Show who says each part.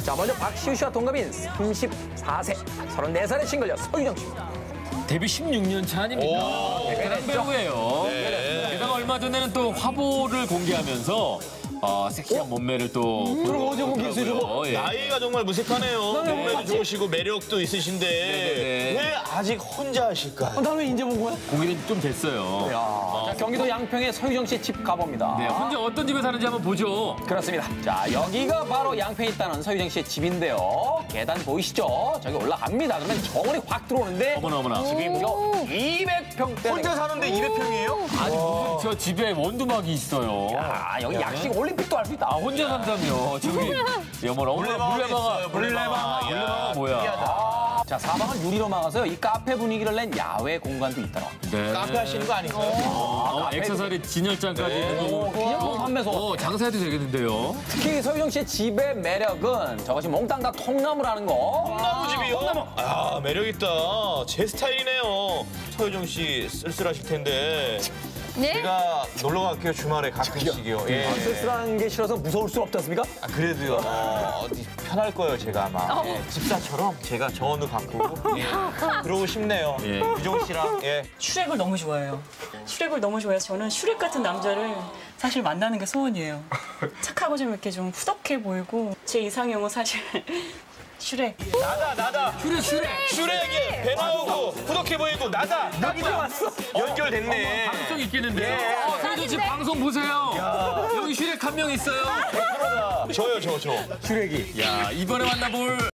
Speaker 1: 자, 먼저 박시우 씨와 동갑인 34세, 34살의 싱글녀 서유정 씨입니다.
Speaker 2: 데뷔 16년 차 아닙니까? 베테랑 배우예요.
Speaker 3: 네.
Speaker 2: 게다가 얼마 전에는 또 화보를 공개하면서 섹시한 몸매를 또 보여주고 계시고.
Speaker 3: 나이가 정말 무색하네요. 몸매도 좋으시고 매력도 있으신데 왜 아직 혼자 하실까?
Speaker 1: 나 왜 이제 본 거야?
Speaker 2: 공개는 좀 됐어요.
Speaker 1: 자, 경기도 양평의 서유정 씨의 집 가봅니다.
Speaker 2: 네, 혼자 어떤 집에 사는지 한번 보죠.
Speaker 1: 그렇습니다. 자, 여기가 바로 양평에 있다는 서유정 씨의 집인데요. 계단 보이시죠? 저기 올라갑니다. 그러면 정원이 확 들어오는데
Speaker 2: 어머나.
Speaker 1: 집이 무려 200평대.
Speaker 3: 혼자 사는데 200평이에요?
Speaker 2: 아니 무슨 저 집에 원두막이 있어요.
Speaker 1: 아, 여기 약식 올림픽도 할 수 있다.
Speaker 2: 혼자 산다며. 저기 여머나 물레방아 뭐야?
Speaker 1: 자, 사방을 유리로 막아서요. 이 카페 분위기를 낸 야외 공간도 있더라.
Speaker 2: 네.
Speaker 3: 카페 하시는 거 아닌가요?
Speaker 2: 액세서리 진열장까지 있는 거.
Speaker 1: 기념품 판매소.
Speaker 2: 장사해도 되겠는데요.
Speaker 1: 특히 서유정 씨의 집의 매력은 저것이 몽땅 다 통나무라는 거.
Speaker 3: 콩나무 집이요? 아, 매력있다. 제 스타일이네요. 서유정 씨 쓸쓸하실 텐데.
Speaker 4: 네?
Speaker 3: 제가 놀러 갈게요, 주말에 가끔씩이요. 예.
Speaker 1: 쓸쓸한 게 싫어서 무서울 수 없지 않습니까?
Speaker 3: 아, 그래도요. 어디 편할 거예요, 제가 아마. 예, 집사처럼 제가 정원도 가꾸고. 예. 그러고 싶네요.
Speaker 2: 예.
Speaker 3: 유정 씨랑. 예.
Speaker 5: 슈렉을 너무 좋아해요. 슈렉을 너무 좋아해서 저는 슈렉 같은 남자를 사실 만나는 게 소원이에요. 착하고 좀 이렇게 좀 후덕해 보이고 제 이상형은 사실 슈렉.
Speaker 3: 나다. 슈렉이 배 나오고 후덕해 보이고 나다. 딱이다. 연결됐네.
Speaker 2: 방송 있겠는데요. 서유정 씨 방송 보세요. 여기 슈렉 한 명 있어요.
Speaker 3: 저요.
Speaker 2: 야, 이번에 만나볼